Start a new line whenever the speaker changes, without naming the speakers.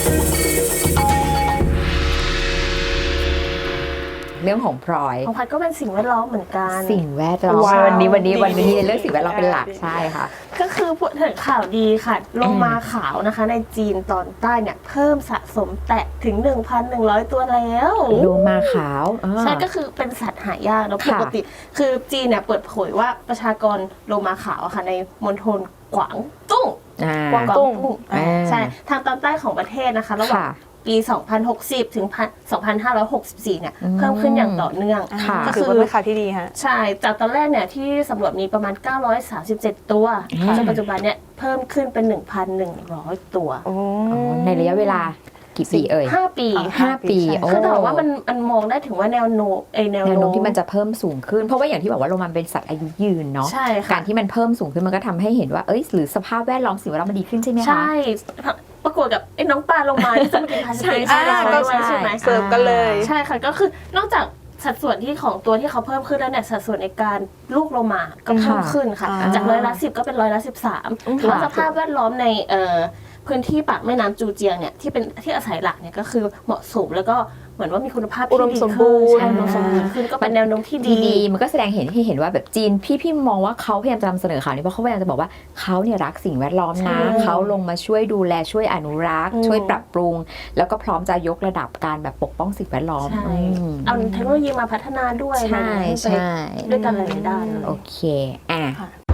เรื่องของพลอย
ของพัดก็เป็นสิ่งแวดล้อมเหมือนกัน
สิ่งแวดล้อมวันนี้เรื่องสิ่งแวดล้อมเป็นหลักใช่ค่ะ
ก็คือพูดถึงข่าวดีค่ะโลมาขาวนะคะในจีนตอนใต้เนี่ยเพิ่มสะสมแตะถึง 1,100 ตัวแล้ว
โลมาขาว
ใช่ก็คือเป็นสัตว์หายากแล้วปกติคือจีนเนี่ยเปิดเผยว่าประชากรโลมาขาวค่ะในมณฑลกวางตุ้งใช่ทางตอนใต้ของประเทศนะคะระหว่างปี 2060 ถึง 2564 เนี่ยเพิ่มขึ้นอย่างต่อเนื่อง
ก็คือเป็นข่าวที่ดีฮะ
ใช่จากตอนแรกเนี่ยที่สำรวจมีประมาณ 937 ตัวจนปัจจุบันเนี่ยเพิ่มขึ้นเป็น 1,100 ตัว
ในระยะเวลากี่ปีเอ่ย
5 ปี
คือ
แต่ว่ามันมองได้ถึงว่าแนวโน้ม
ที่มันจะเพิ่มสูงขึ้นเพราะว่าอย่างที่บอกว่าโลมาเป็นสัตว์อายุยืนเนาะการที่มันเพิ่มสูงขึ้นมันก็ทำให้เห็นว่าหรือสภาพแวดล้อมสิ่งแวดล้อมมันดีขึ้นใช่ไหมคะ
ใช่ประกวดกับน้องปลาลงมาที่จะมากินพาสติกใช่ไหม
เสิร์ฟกันเลย
ใช่ค่ะก็คือนอกจากสัดส่วนที่ของตัวที่เขาเพิ่มขึ้นแล้วเนี่ยสัดส่วนในการลูกโลมาก็เพิ่มขึ้นค่ะจาก10%ก็เป็น13%ถือว่าสภาพแวดล้อมในพื้นที่ปากแม่น้ำจูเจียงเนี่ยที่เป็นที่อาศัยหลักเนี่ยก็คือเหมาะสมแล้วก็เหมือนว่ามีคุณภาพที่ดีขึ้นก็เป็นแนวโน้มที่ดี
มันก็แสดงให้เห็นว่าแบบจีนพี่มองว่าเขาพยายามจะนำเสนอข่าวนี้เพราะเขาพยายามจะบอกว่าเขาเนี่ยรักสิ่งแวดล้อมนะเขาลงมาช่วยดูแลช่วยอนุรักษ์ช่วยปรับปรุงแล้วก็พร้อมจะยกระดับการแบบปกป้องสิ่งแวดล้อม
เอาเทคโนโลยีมาพัฒนาด้วย
ใช่
ด้วยกันหลายด้าน
โอเค